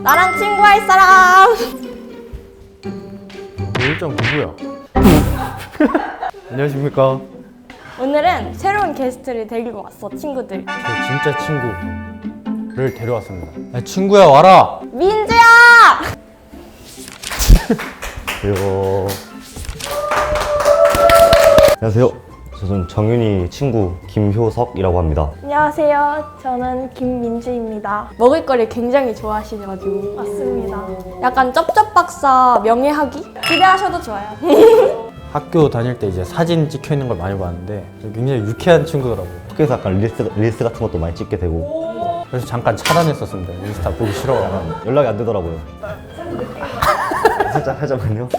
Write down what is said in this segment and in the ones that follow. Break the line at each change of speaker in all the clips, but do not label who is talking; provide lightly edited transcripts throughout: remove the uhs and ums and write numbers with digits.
나랑 친구할 사람.
일정 누구야? 안녕하십니까.
오늘은 새로운 게스트를 데리고 왔어, 친구들.
제 진짜 친구를 데려왔습니다. 야, 친구야 와라.
민주야!
안녕하세요. 안녕하세요. 저는 정윤이 친구 김효석이라고 합니다.
안녕하세요. 저는 김민주입니다.
먹을 거를 굉장히 좋아하시셔가지고.
맞습니다.
약간 쩝쩝박사 명예하기? 기대하셔도 좋아요.
학교 다닐 때 이제 사진 찍혀 있는 걸 많이 봤는데 굉장히 유쾌한 친구더라고요.
학교에서 약간 릴스 같은 것도 많이 찍게 되고
그래서 잠깐 차단했었습니다. 인스타 보기 싫어.
연락이 안 되더라고요. 살짝 하자면요.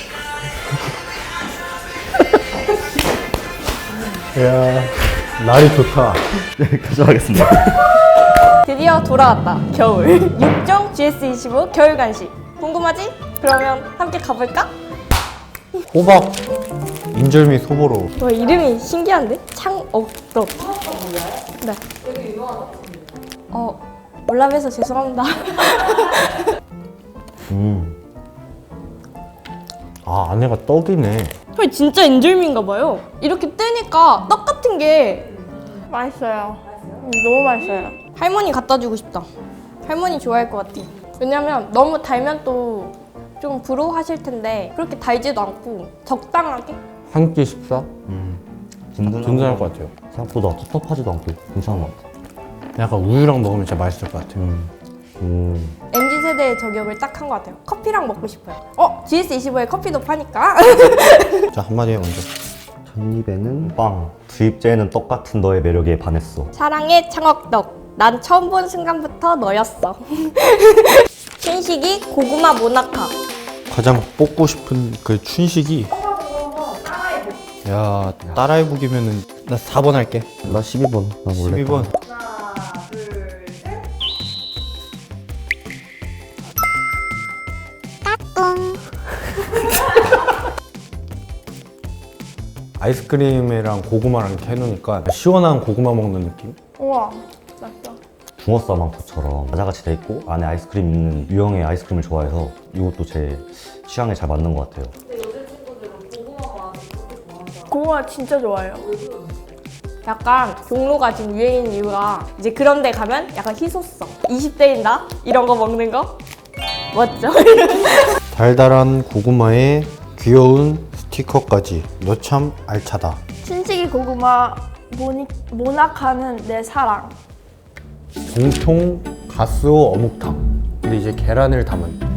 야 날이 좋다.
여기까지 하겠습니다.
드디어 돌아왔다, 겨울. 6종 GS25 겨울 간식. 궁금하지? 그러면 함께 가볼까?
호박 인절미 소보로.
와, 이름이 신기한데? 창억떡. 네. 되게 유명하다. 몰라봬서 죄송합니다.
아 안에가 떡이네.
헐, 진짜 인절미인가 봐요. 이렇게 뜨니까 떡 같은 게.
맛있어요. 너무 맛있어요.
할머니 갖다 주고 싶다. 할머니 좋아할 것 같아. 왜냐면 너무 달면 또 좀 부러워하실 텐데 그렇게 달지도 않고 적당하게.
한 끼 식사? 든든할 것 같아요.
생각보다 텁텁하지도 않고 괜찮은 것 같아요.
약간 우유랑 먹으면 진짜 맛있을 것 같아요.
MZ세대의 저격을 딱 한 것 같아요. 커피랑 먹고 싶어요. GS25에 커피도 파니까.
자 한마디 해 먼저.
첫 입에는 빵, 두 입째에는 떡 같은 너의 매력에 반했어.
사랑의 창억떡. 난 처음 본 순간부터 너였어. 신식이 고구마 모나카.
가장 뽑고 싶은 그 춘식이. 야 따라해보기면은 나 4번 할게.
나 12번. 나 원래
12번. 아이스크림이랑 고구마랑 이렇게 해놓으니까 시원한 고구마 먹는 느낌?
우와, 맛있어.
붕어 싸망토처럼 과자같이 돼 있고 안에 아이스크림 있는 유형의 아이스크림을 좋아해서 이것도 제 취향에 잘 맞는 것 같아요.
고구마 진짜 좋아해요.
약간 종로가 지금 유행인 이유가 이제 그런 데 가면 약간 희소성. 20대인다? 이런 거 먹는 거? 멋져.
달달한 고구마에 귀여운 스티커까지. 너 참 알차다.
신식이 고구마 모나카는 내 사랑.
정통 가스오 어묵탕. 근데 이제 계란을 담은.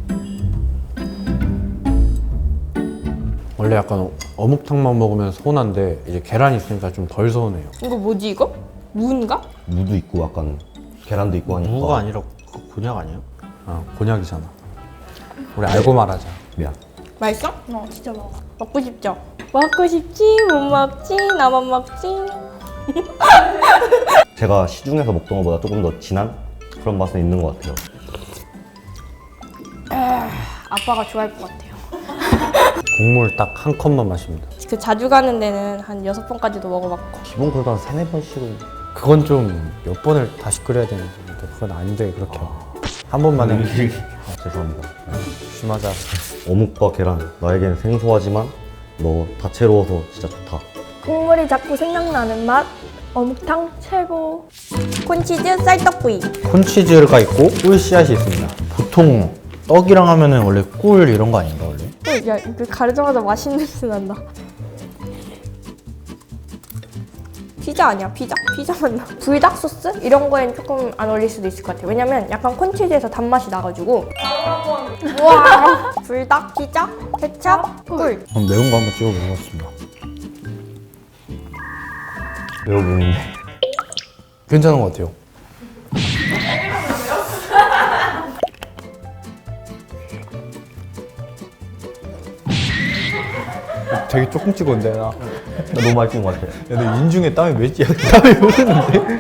원래 약간 어묵탕만 먹으면 서운한데 이제 계란이 있으니까 좀 덜 서운해요.
이거 뭐지 이거? 무인가?
무도 있고 약간 계란도 있고 하니까.
무가 아니라 곤약 아니에요? 곤약이잖아. 우리 알고 말하자.
미안.
맛있어?
진짜 먹어.
먹고 싶죠? 먹고 싶지 못 먹지 나만 먹지.
제가 시중에서 먹던 것보다 조금 더 진한 그런 맛은 있는 것 같아요.
아빠가 좋아할 것 같아요.
국물 딱 한 컵만 마십니다.
그 자주 가는 데는 한 6번까지도 먹어봤고.
기본 그래도 한 3-4번씩은.
그건 좀 몇 번을 다시 끓여야 되는데 그건 아닌데 그렇게 한 번만 해.
죄송합니다.
심하자.
어묵과 계란 나에겐 생소하지만 너 다채로워서 진짜 좋다.
국물이 자꾸 생각나는 맛. 어묵탕 최고.
콘치즈 쌀떡구이.
콘치즈가 있고 꿀 씨앗이 있습니다. 보통 떡이랑 하면은 원래 꿀 이런 거 아닌가 원래?
야, 이거 가르자마자 맛있는 냄새 난다. 피자 아니야? 피자? 피자 맞나? 불닭 소스? 이런 거엔 조금 안 어울릴 수도 있을 것 같아요. 왜냐면 약간 콘치즈에서 단맛이 나가지고. 와, 불닭, 피자, 케찹, 꿀.
그럼 매운 거 한번 찍어 먹어봤습니다.
매워 보이는데.
괜찮은 것 같아요. 되게 조금 찍었는데 나.
너무 맛있는 것 같아.
야, 내 인중에 땀이 몇 지야? 땀이 흐르는데?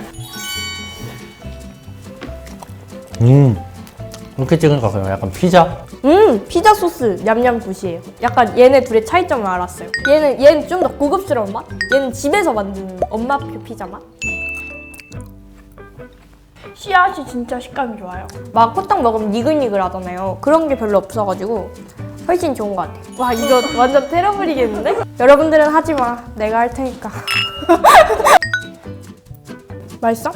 이렇게 찍으니까 그냥 약간 피자?
피자 소스 냠냠 굿이에요. 약간 얘네 둘의 차이점을 알았어요. 얘는 좀 더 고급스러운 맛? 얘는 집에서 만드는 엄마표 피자 맛?
씨앗이 진짜 식감이 좋아요.
막 호떡 먹으면 니글니글 하잖아요. 그런 게 별로 없어가지고 훨씬 좋은 것 같아요. 와, 이거 완전 때려버리겠는데? 여러분들은 하지 마. 내가 할 테니까. 맛있어?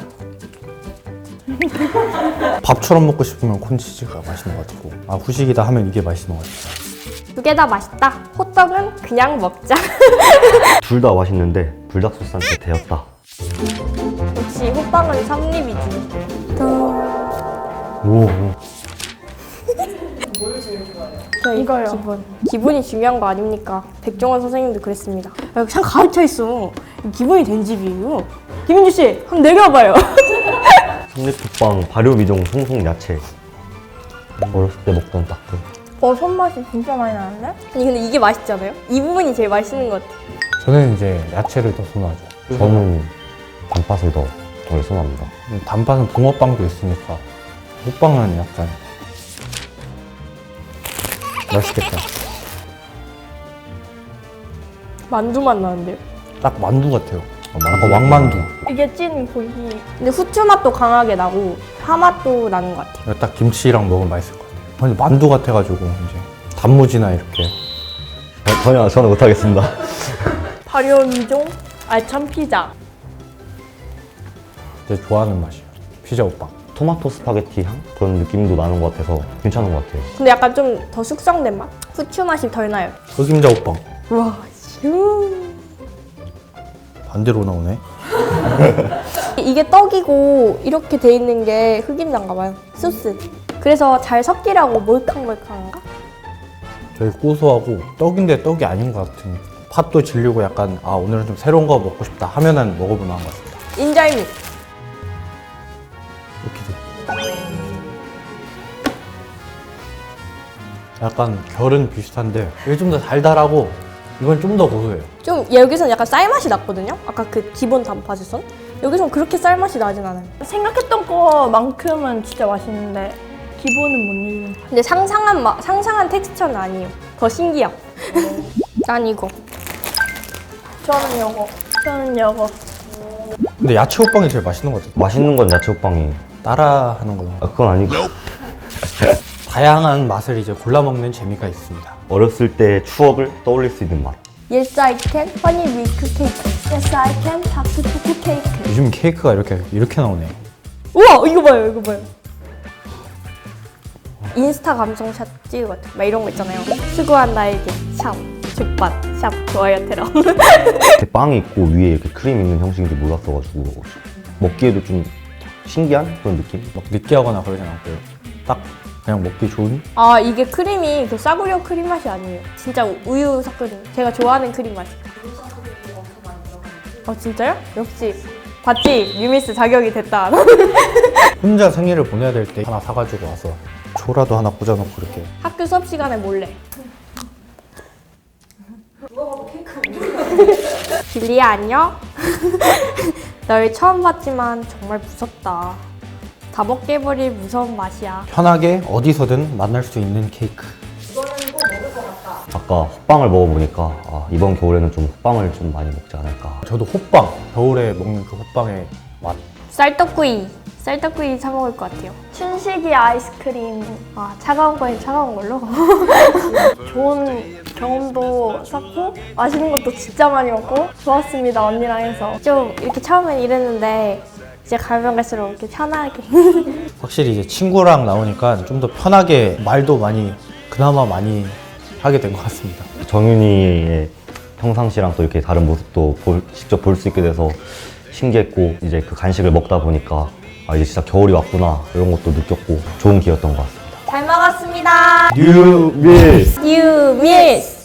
밥처럼 먹고 싶으면 콘치즈가 맛있는 것 같고, 아 후식이다 하면 이게 맛있는 것 같아요.
두 개 다 맛있다. 호떡은 그냥 먹자.
둘 다 맛있는데 불닭 소스한테 대였다.
역시 호빵은 삼립이지.
오.
저희
이거요.
기분이 중요한 거 아닙니까? 백종원 선생님도 그랬습니다. 아, 참 가득 차 있어. 기분이 된 집이에요. 김민주 씨, 한번 내려봐요.
삼립국빵 발효 미종 송송 야채. 어렸을 때 먹던 딱 그.
손맛이 진짜 많이 나는데?
아니 근데 이게 맛있잖아요? 이 부분이 제일 맛있는 것 같아.
저는 이제 야채를 더 선호하죠.
저는 단팥을 더 선호합니다.
단팥은 붕어빵도 있으니까 호빵은 약간 맛있겠다.
만두 맛 나는데요?
딱 만두 같아요. 약간 왕만두.
이게 찐 고기.
근데 후추 맛도 강하게 나고 파 맛도 나는 것 같아요.
딱 김치랑 먹으면 맛있을 것 같아요. 근데 만두 같아가지고 이제 단무지나 이렇게
전혀 못하겠습니다.
발효 미종 알찬 피자.
제 좋아하는 맛이에요. 피자 호빵.
토마토 스파게티 향? 그런 느낌도 나는 것 같아서 괜찮은 것 같아요.
근데 약간 좀 더 숙성된 맛? 후추 맛이 덜 나요.
흑임자 호빵.
와, 슈.
반대로 나오네.
이게 떡이고 이렇게 돼 있는 게 흑임자인가 봐요. 소스. 그래서 잘 섞이라고 몰캉몰캉한가?
되게 고소하고 떡인데 떡이 아닌 것 같은. 팥도 질리고 약간 아 오늘은 좀 새로운 거 먹고 싶다 하면은 먹어볼 만한 것 같습니다.
인절미.
이렇게 돼. 약간 결은 비슷한데 이게 좀 더 달달하고 이건 좀 더 고소해요.
좀 여기서는 약간 쌀 맛이 났거든요? 아까 그 기본 단팥에선? 여기서는 그렇게 쌀 맛이 나진 않아요.
생각했던 거만큼은 진짜 맛있는데 기본은 못 이기는 거.
근데 상상한 텍스처는 아니에요. 더 신기함. 난 이거.
저는 요거. 저는 요거.
근데 야채 호빵이 제일 맛있는 것 같아요.
맛있는 건 야채 호빵이.
따라하는 거는
아, 그건 아니고.
다양한 맛을 이제 골라 먹는 재미가 있습니다.
어렸을 때 추억을 떠올릴 수 있는 맛.
Yes, I can. 허니 밀크 케이크.
Yes, I can. 다크 초코 케이크.
요즘 케이크가 이렇게 나오네.
우와, 이거 봐요, 이거 봐요. 인스타 감성샷 찍을 것 같아. 막 이런 거 있잖아요. 수고한 나에게 샵, 족밭, 샵, 좋아요, 테러.
이렇게 빵이 있고 위에 이렇게 크림 있는 형식인지 몰랐어가지고 먹기에도 좀 신기한 그런 느낌?
막 느끼하거나 그러진 않고요. 딱 그냥 먹기 좋은?
아, 이게 크림이 그 싸구려 크림 맛이 아니에요. 진짜 우유 섞은 제가 좋아하는 크림 맛이에요. 진짜요? 역시 봤지? 유미스 자격이 됐다.
혼자 생일을 보내야 될 때 하나 사가지고 와서 초라도 하나 꽂아놓고 이렇게.
학교 수업 시간에 몰래. 빌리야 안녕? 널 처음 봤지만 정말 무섭다. 다 먹게 해버릴 무서운 맛이야.
편하게 어디서든 만날 수 있는 케이크.
아까 호빵을 먹어보니까 아, 이번 겨울에는 좀 호빵을 좀 많이 먹지 않을까.
저도 호빵, 겨울에 먹는 그 호빵의 맛.
쌀떡구이 사 먹을 것 같아요.
춘식이 아이스크림.
차가운 거엔 차가운 걸로.
좋은 경험도 쌓고 맛있는 것도 진짜 많이 먹고 좋았습니다. 언니랑 해서.
좀 이렇게 처음엔 이랬는데 이제 가면 갈수록 이렇게 편하게.
확실히 이제 친구랑 나오니까 좀 더 편하게 말도 그나마 많이 하게 된 것 같습니다.
정윤이의 평상시랑 또 이렇게 다른 모습도 직접 볼 수 있게 돼서 신기했고, 이제 그 간식을 먹다 보니까 아, 이제 진짜 겨울이 왔구나 이런 것도 느꼈고 좋은 기회였던 것 같습니다.
잘 먹었습니다.
뉴미스!
뉴미스.